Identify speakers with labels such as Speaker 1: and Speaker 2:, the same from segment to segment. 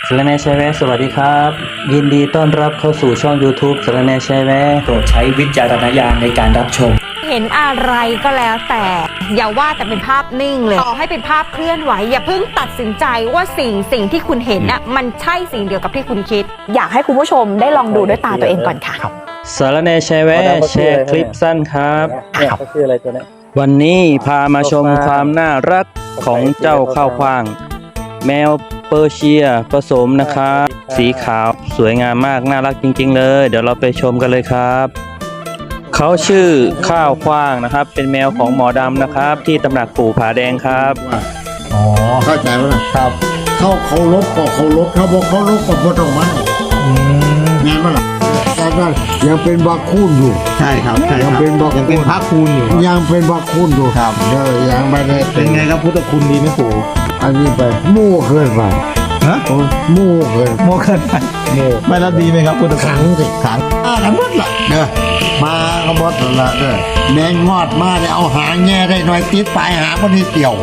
Speaker 1: สารแหน่แชร์แวะสวัสดีครับยินดีต้อนรับเข้าสู่ช่อง YouTube สารแหน่แชร์แวะ
Speaker 2: โปรดใช้วิจารณญาณในการรับชม
Speaker 3: เห็นอะไรก็แล้วแต่อย่าว่าแต่เป็นภาพนิ่งเลยต่อให้เป็นภาพเคลื่อนไหวอย่าเพิ่งตัดสินใจว่าสิ่งที่คุณเห็นน่ะมันใช่สิ่งเดียวกับที่คุณคิด
Speaker 4: อยากให้คุณผู้ชมได้ลองดูด้วยตาตัวเองก่อนค่ะ
Speaker 1: สารแหน่แชร์แวะแชร์คลิปสั้นครับวันนี้พามาชมความน่ารักของเจ้าข้าวฟ่างแมวเปอร์เซียผสมนะครับสีขาวสวยงามมากน่ารักจริงๆเลยเดี๋ยวเราไปชมกันเลยครับเขาชื่อข้าวฟ่างนะครับเป็นแมวของหมอดำนะครับที่ตำหนักปู่ผาแดงครับ
Speaker 5: อ๋อเข้าใจแล้วนะครับเขาลบก็เขาลบเขาบอกเขาลบก็บ่ต้องมาแม่นบ่ล่ะแต่ยังเป็นบักคูนอยู่
Speaker 2: ใช่ครับ
Speaker 5: ยังเป็นบักคูน
Speaker 2: พระคูณอยู่
Speaker 5: ยังเป็นบักคูนอยู่ครับยังไม่ได้
Speaker 2: เป็นไงครับพุทธคุณดีไหมปู่
Speaker 5: อันนี้ไปมู่เกินไป
Speaker 2: ฮะ
Speaker 5: มู่เกิน
Speaker 2: โมเกินไปไม่รับดีไหมครับพุทธคุณ
Speaker 5: ขังสิขังกันหมดละมาก็หมดละแมงงอดมาเนี่ยเอาหางแง่ได้หน่อยติดปลายหางคนนี้เกี่ยว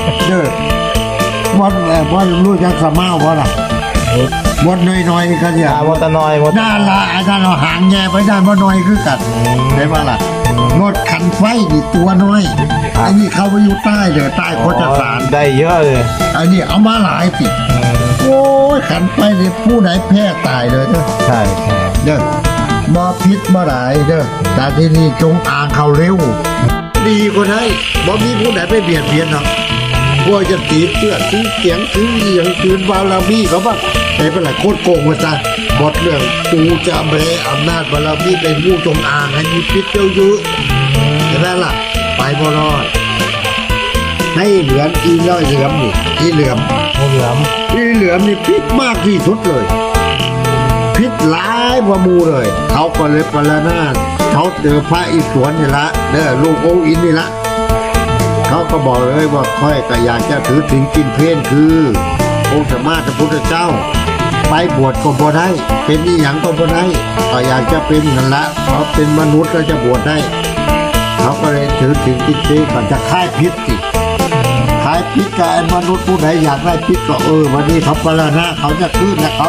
Speaker 5: ว่ารู้จักสมาว่าล่ะมดน้อยๆกันอย่าง
Speaker 2: มดตะน้อยมด
Speaker 5: น่าละอาจารย์เอาหางแง่ไปด้านมดน้อยคือกันได้ป่ะล่ะงดขันไฟนี่ตัวน้อยอันนี้เข้าไปอยู่ใต้เลยใต้โคจรสาร
Speaker 2: ได้เยอะเลย
Speaker 5: อันนี้เอามาหลายสิโอ้ยขันไฟนี่ผู้ไหนแพ้ตายเลย
Speaker 2: ใช่
Speaker 5: บ่พิษบ่หลายแต่ที่นี่จงอ่างเขาเร็วดีกว่าได้บ่มีผู้ไหนไปเบียดเบียนหรอกพวกจะตีเสื้อซื้อเสียงซื้อเอียงคืนบาลามีเขาบ้างเป็นไรโคตรโกงมาจ้ะหมดเรื่องกูจะแบอำนาจบาลามีเป็นผู้จงอ่างให้มีพิษเยอะๆใช่ไหมล่ะไปบ่รอดให้เหลืออีน้อยเหลือมนี่อีเหลือมนี่พิษมากที่สุดเลยพิษร้ายกว่ามูเลยเขาก็เลยปรนาถเขาเจอพระอิศวรนี่ละลูกโออินนี่ละเขาก็บอกเลยว่าค่อยก็อยากจะถือถึงกินเพลนคือองค์สมมาพระพุทธเจ้าไปบวชก็บ่ได้เป็นอีหยังก็บ่ได้ก็อยากจะเป็นนั่นละเขาเป็นมนุษย์แล้วจะบวชได้เขาก็เลยถือถึงกินเพลนก่อนจะค่ายพิษสิค่ายพิษกับมนุษย์ผู้ใดอยากได้พิษก็วันนี้เขาปรนาถเขาจะขึ้นนะครับ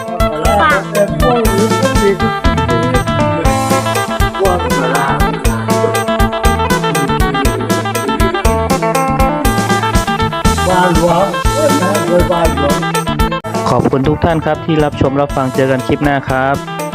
Speaker 1: ขอบคุณทุกท่านครับที่รับชมรับฟังเจอกันคลิปหน้าครับ